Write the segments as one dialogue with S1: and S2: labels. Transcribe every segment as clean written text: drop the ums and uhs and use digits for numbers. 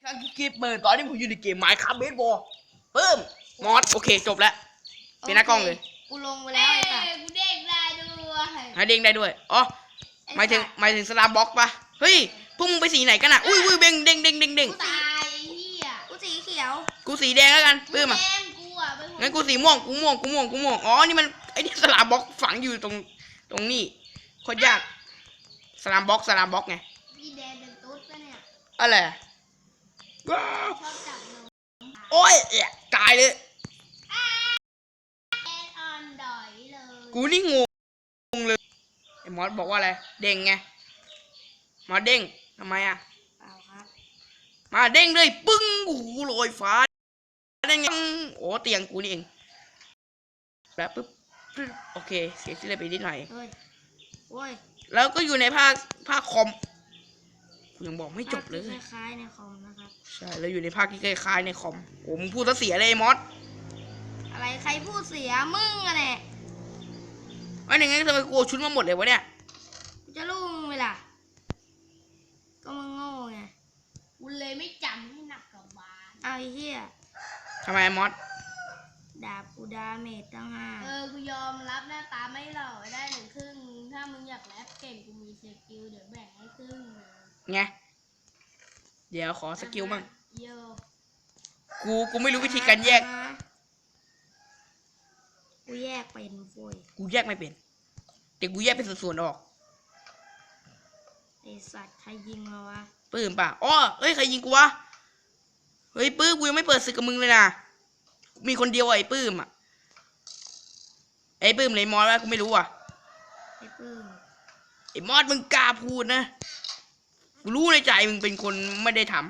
S1: ครั้งที่เปิดตอนนี้ผมอยู่ในเกม Minecraft Baseball เพิ่มมอสโอเคจบแล้วเป็นหน้ากล้องเลย
S2: กูลงไปแล้วไอ้สัส
S3: กูเด้งได้ด้วย
S1: เด้งได้ด้วยอ๋อหมายถึงสลามบ็อกปะเฮ้ยพวกมึงไปสีไหนกันอ่ะอุ้ยเด้ง
S3: กูตายเฮีย
S2: กูสีเขียว
S1: กูสีแดงแล้วกันเพิ่มอ่ะงั้นกูสีม่วงอ๋อนี่มันไอ้นี่สลามบ็อกฝังอยู่ตรงนี้โคตรยากสลามบ็อกไง
S3: พี่แดงเป็นตุ๊ดปะเนี่ย
S1: อะไร
S3: ชอบจับนม
S1: โอ้ยตายเลย
S3: แอนออนดอยเลย
S1: กูนี่งงเลยไอ้มอสบอกว่าอะไรเด้งไงมอสเด้งทำไมอ่ะ
S2: เปล่าครับ
S1: มาเด้งเลยปึ้งโอ้โหลอยฟ้าเด้งโอ้เตียงกูนี่เองแล้วปึ๊บโอเคเสียชื่อเลยไปนิดหน่อย
S2: โอ้ย
S1: แล้วก็อยู่ในภาคคอมกูยังบอกไม่จบเลย
S2: คล้ายๆในคอมนะครับ
S1: ใช่แล้วอยู่ในภาคที่คล้ายๆในคอมโอ้มึงพูดซะเสียเลยมอส
S2: อะไรใครพูดเสียมึงอะเนี่ย
S1: ไอ้หนึ่งงั้นทำไมกูชุดมาหมดเลยวะเนี่ย
S2: จะรู้มึงเวลาก็มึงโง่ไง
S3: กูเลยไม่จำให้หนักกับบ้าน
S2: เอาไอ้เหี้ย
S1: ทำไมมอส
S2: ดาบกูดาเมจตั้ง5
S3: กูยอมรับหน้าตาไม่หล่อได้1/2ถ้ามึงอยากแรปเก่งกูมีสกิลเดี๋ยวแบ่งให้ครึ่ง
S1: ไงเดี๋ยวขอสกิลมั่ง
S3: โย
S1: กูไม่รู้วิธีการแยก
S2: กูแยกเป็นโว้ย
S1: กูแยกไม่เป็นแต่กูแยกเป็นส่วนๆออก
S2: ไอสัตว์ใครยิงมาวะ
S1: ปื้มป่ะอ๋อเฮ้ยใครยิงกูวะเฮ้ยปื้มกูยังไม่เปิดศึกกับมึงเลยนะมีคนเดียวไอ้ปื้มอ่ะไอ้ปื้มไหนมอสวะกูไม่รู้อ่ะ
S2: ไอ้ปื้ม
S1: ไอ้มอสมึงกล้าพูดนะกูรู้ในใจมึงเป็นคนไม่ได้ท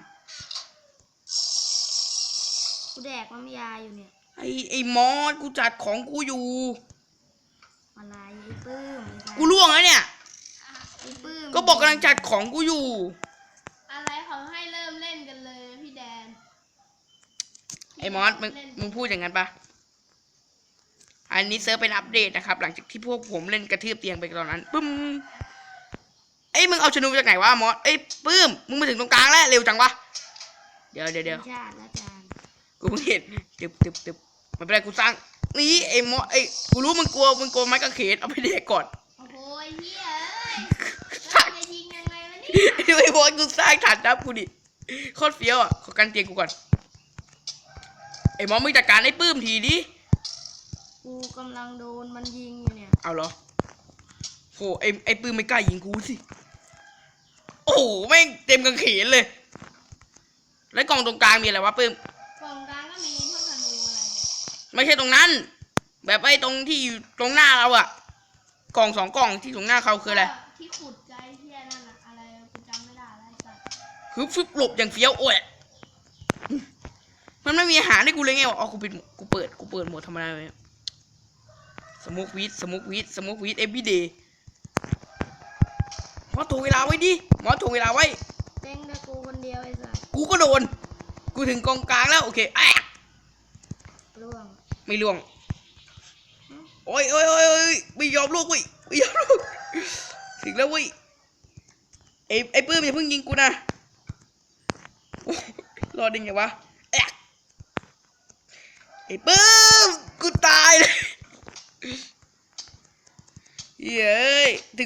S2: ำกูแดกน้ำยาอยู่เนี่ย
S1: ไอ้มอสกูจัดของกูอยู่
S2: อะไรไอ้ปื้ม
S1: กูล่วงแล้วเนี่ย
S2: ไอ้ปื้ม
S1: ก็บอกกำลังจัดของกูอยู่
S3: อะไรเขาให้เริ่มเล่นกันเลยพี่แดน
S1: ไอ้มอสมึงพูดอย่างนั้นปะอันนี้เซิร์ฟเป็นอัปเดตนะครับหลังจากที่พวกผมเล่นกระทืบเตียงไปตอนนั้นปึ้มไอ้มึงเอาชนูจากไหนวะมอสไอ้ปื้มมึงมาถึงตรงกลางแล้วเร็วจังวะเดี๋ยวกูเพิ่งเห็นตึบมันเป็นไรกูสร้างนี่ไอ้มอสไอ้กูรู้มึงกลัวไม้กางเขนเอาไปเด็กก่อน
S3: โอ้โหเฮียแล้วจะยิงยังไงวะเนี่ย
S1: ไอ้บอสกูสร้างฐานทัพกูดิโคตรเฟี้ยวอ่ะขอกันเตียงกูก่อนไอ้มอสมึงจัดการไอ้ปื้มทีดิ
S2: กูกำลังโดนมันยิงอยู่เนี่ย
S1: เอาเหรอโหไอ้ปื้มไม่กล้ายิงกูสิโอ้โหแม่งเต็มกางเขนเลยแล้วกล่องตรงกลางมีอะไรวะปื้ม
S3: กล่องกลางก็มีพวกธนูอะไร
S1: ไม่ใช่ตรงนั้นแบบไอ้ตรงที่อยู่ตรงหน้าเราอะกล่อง2 กล่องที่ตรงหน้าเขาคืออะไร
S3: ที่ขุดใจเฮียนั่นอะอะไรกูจำไม่ได้แล้วสัตว์
S1: คือฟึบหลบอย่างเฟี้ยวโอ้ยมันไม่มีอาหารให้กูเลยไงวะอ๋อกูเปิดโหมดธรรมดาเลยสมุกวีดเอฟวีเดย์หมอถ่วงเวลาไว้ดิหมอถ่วงเวลาไว้
S2: เด้งแต่กูคนเดียวไอ้สัส
S1: กูก็โดนกูถึงกองกลางแล้วโอเค
S2: ล่วง
S1: ไม่ล่วงโอ้ยไม่ยอมลูกเว้ยไม่ยอมลูกถึงแล้วเว้ยไอ้ปื้มอย่าเพิ่งยิงกูนะรอดึงไงวะไอ้ปื้มกูตายเลยเย้ยถึง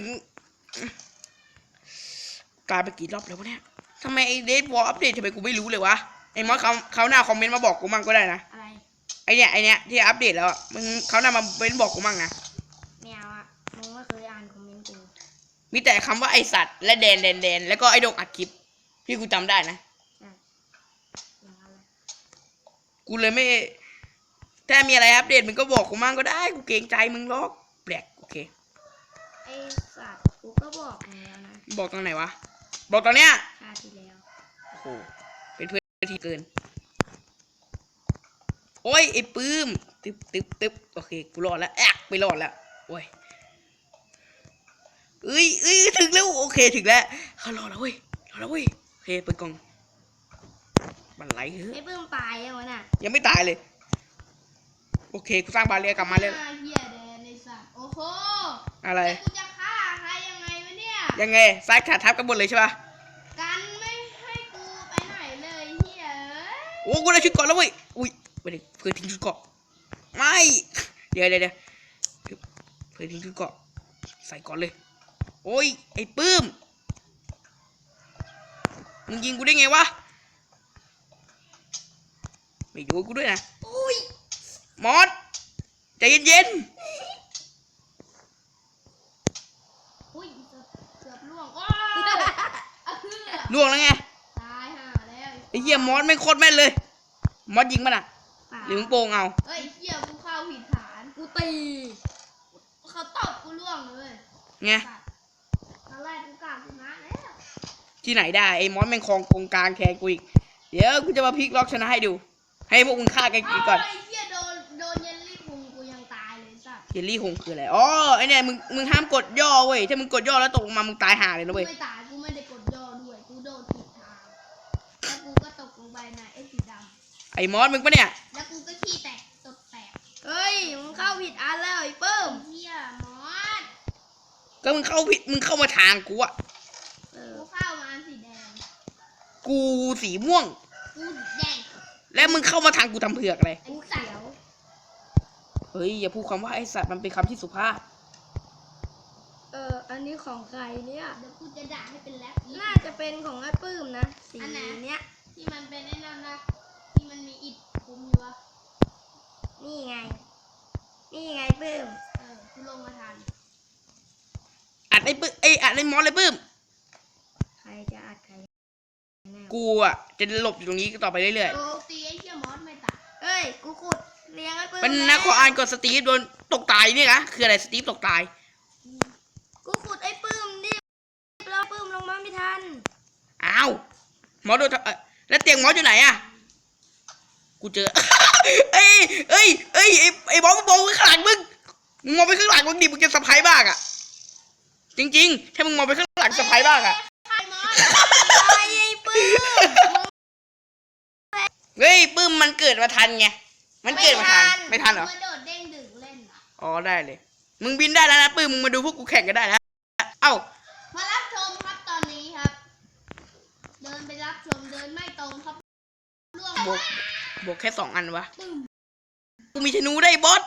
S1: กลายไปกี่รอบแล้ววะเนี่ยทำไมไอ้เดทวอลอัปเดตทำไมกูไม่รู้เลยวะไอ้มอสเขาหน้าคอมเมนต์มาบอกกูมั่งก็ได้นะ
S2: อะไร
S1: ไอเนี้ยที่อัปเดตแล้วมึงเขาหน้ามาเป็นบอกกูมั่งนะ
S2: ไม่เอาอะมึงไม่เคยอ่านคอมเมนต์กู
S1: มีแต่คำว่าไอสัตว์และแดนแล้วก็ไอดงอัดคลิปพี่กูจำได้นะกูเลยไม่ถ้ามีอะไรอัปเดตมึงก็บอกกูมั่งก็ได้กูเกรงใจมึงหรอกแปลกโอเค
S2: ไอสัตว์กูก็บอกแล้วนะ
S1: บอกตอนไหนวะบอกตอนเนี้ย
S2: ชาติแล้ว
S1: โอ้โหเป็นเพื่อนที่เกินโอ้ยไอ้ปื้มตึ๊บโอเคกูรอดแล้วไปรอดแล้วโอ้ยถึงแล้วโอเคถึงแล้วเขารอแล้วเว้ยโอเคเปิดกล่องบันไลเฮ้ย
S2: ไอ้ปื้มตายยังวะน่ะ
S1: ยังไม่ตายเลยโอเคกูสร้างบาเรียกลับมาเลย
S3: เฮียแดนในสัตว์โอ้โห
S1: อะไร
S3: กูจะฆ่าใครยังไงวะเนี่ย
S1: ยังไงซ้ายขาทับกันหมดเลยใช่ปะ
S3: กันไม่ให้กูไปไหนเลยเ
S1: โอ้กูได้ชุดเกาะแล้วเว้ยอุ้ยไม่ได้เพื่อนทิ้งชุดเกาะไม่เดี๋ยวเพื่อนทิ้งชุดเกาะใส่ก่อนเลยโอ้ยไอ้ปื้มมึงยิงกูได้ไงวะไม่ดูกูด้วยนะ
S2: อุ้ย
S1: มอสใจเย็น
S3: อุ้ยเกือบล่วงโอ้ยอะเพื่อ
S1: ๆล่วงแล้วไง
S3: ตายห่าแล้ว
S1: ไอ้เหี้ยมอสไม่งโคตรแม่นเลยมอสยิงมันอ่ะ
S2: ป่า
S1: หรือมึงโป่งเอา
S3: เฮ้ยเหี้ยกูเข้าผิดฐาน
S2: กูตี
S3: เขาตบกูล่วงเลย
S1: ไง
S3: ตอนแรกกูกะชนะแล้ว
S1: ที่ไหนได้ไอ้มอสแม่งครองกงกลางแทนกูอีกเดี๋ยวกูจะมาพลิกล็อกชนะให้ดู ให้พวกมึงฆ่ากันก่อน
S3: ไอ้เหี้ยโดนเยลลี่พุงกูยังตายเลยสัตว์
S1: เยลลี่หงคืออะไรอ๋อไอ้เนี่ยมึงห้ามกดย่อเว้ยถ้ามึงกดย่อแล้วตกลงมามึงตายห่าเลยนะ
S3: กู
S1: เว้ย
S3: ไม่ตายกูไม่ได้กดย่อด้วยกูโดนผิดทางแล้วกูก็ตกลงไปในไอ้สีด
S1: ไอ้มอสมึงปะเนี่ย
S3: ำแล้วกูก็ขี้แตกตดแตก
S2: เฮ้ยมึงเข้าผิดอันแล้วไอ้เปิ้ม
S3: เหี้ยมอส
S1: ก็มึงเข้าผิดมึงเข้ามาทางกูอะ
S3: กูเข้ามาสีแดง
S1: กูสีม่วง
S3: กูแดง
S1: แล้วมึงเข้ามาทางกูทำเผือกอะไร
S3: ไอ้เขียว
S1: เฮ้ยอย่าพูดคำว่าไอ้สัตว์มันเป็นคำที่สุภาพ
S2: อันนี้ของใครเนี่ย
S3: เดี๋ยวกูจะด่าให้เป็นแรปอีก
S2: น่าจะเป็นของไอ้ปื้มนะสี
S3: อันไหน
S2: เนี้ย
S3: ที่มันเป็นไอ้นั่นนะที่มันมีอิฐคุมอยู่วะ
S2: นี่ไง นี่ไงปื้ม
S3: กูลงมาทัน
S1: อัดไอ้ปื้มอัดไอ้มอสเลยปื้ม
S2: ใครจะอัดใครแน่
S1: กูอะจะหลบอยู่ตรงนี้ต่อไปเรื่อย
S3: โอ้ตีไอ้เหี้ยมอสไม่ตาย
S2: เอ้ยกูขุดเลี้ยงไอ้ปื้
S1: ๆ
S2: ม
S1: เป็น
S2: แล้ว
S1: นักขออ่านกดสตีฟโดนตกตายเนี่ยนะคืออะไรสตีฟตกตาย
S2: กูขุดไอ้ปื้มดิแล้วปื้มลงมาไม่ทัน
S1: อ้าวมอสโดนแล้วเตียงมอสอยู่ไหนอะกูเจอ ไอ้บอสมึงมองไปข้างหลังมึงมองไปข้างหลังมึงดิมึงจะสะพายบ้างอะจริงๆถ้ามึงมองไปข้างหลังสะพายบ้างอะ
S3: ใครมอส
S2: ไอ้ปื้ม
S1: เฮ้ยปื้มมันเกิดมาทันไงมันเกิดมาทันไม่ทันเหรอ
S3: มาโดดเด้งดึงเล่นอะ
S1: อ๋อได้เลย มึงบินได้แล้วนะปื้มมึงมาดูพวกกูแข่งกันได้แล้วเอ้า
S3: มารับชมครับตอนนี้ครับ เดินไปรับชมเดินไม่ตรงครับล่วง
S1: บวกแค่2 อันวะ
S3: ปึ้ม
S1: กูมีธนูได้บอส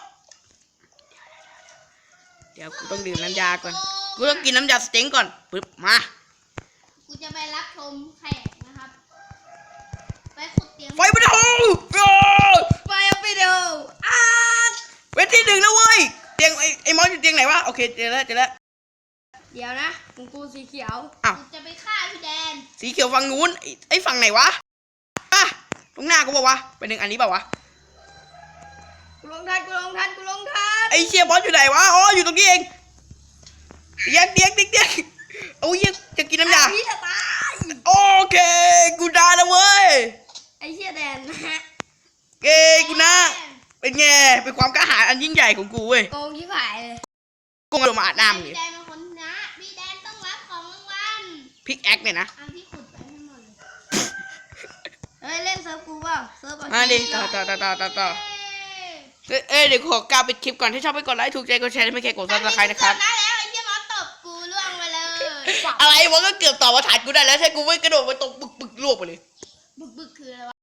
S1: เดี๋ยวกูต้องดื่มน้ำยาก่อนกูต้องกินน้ำยาสเต็งก่อนปึ๊บมา
S3: กูจะไปรับชมแขกนะครับ ไปขุดเตียง
S1: ไฟมันโห
S2: ไปเอาไปดูอ้า
S1: เป็นที่ 1แล้วเว้ยเตียงไอ้มอสอยู่เตียงไหนวะโอเคเจอแล้ว
S2: เดี๋ยวนะของกูสีเขียว
S1: อ้าว
S3: กูจะไปฆ่าพี่แดน
S1: สีเขียวฝั่งนู้นไอ้ฝั่งไหนวะอ่ะตรงหน้ากูบอกวะเป็น1 อันนี้เปล่าวะ
S2: กูลงทันกูลงทันกูลงทัน
S1: ไอ้เชียบอสอยู่ไหนวะอ๋ออยู่ตรงนี้เองเตียงโอ้ยจะกินน้ำยา
S2: พี่จะตาย
S1: โอเคกูได้แล้วเว้ย
S2: ไอ้เชี่ยแดนนะฮะ
S1: เอ้ยกูนะเป็นไงเป็นความกล้าหาญอันยิ่งใหญ่ของกูเว้ย
S2: โกงยิ่งหายเลย
S1: กูมาอาบน้ำเล
S3: พี่
S1: ย
S3: แดนเป็นคนชนะพี่แดนต้องรับของรางวัล
S1: พิกแอคเนี่ยนะ
S3: เอาที่ขุดไปให้หมดเลย
S2: เฮ้ยเล่นเซิร์ฟกูเปล่าเซิร์ฟ
S1: มาดิต่อเดี๋ยวขอกล่าวปิดคลิปก่อนถ้าชอบไปกดไลค์ถูกใจกดแชร์ไม่แค่กดซับสไครต์นะครับ
S3: ตอนนั้นแล้วไอ้เหี้ยมอสตบกูล่วงไปเลย
S1: อะไรวะก็เกือบต่อมาถ่ายกูได้แล้วถ้ากูไม่กระโดดมาตรงปึกลวกไปเลย
S3: บึกคืออะไรวะ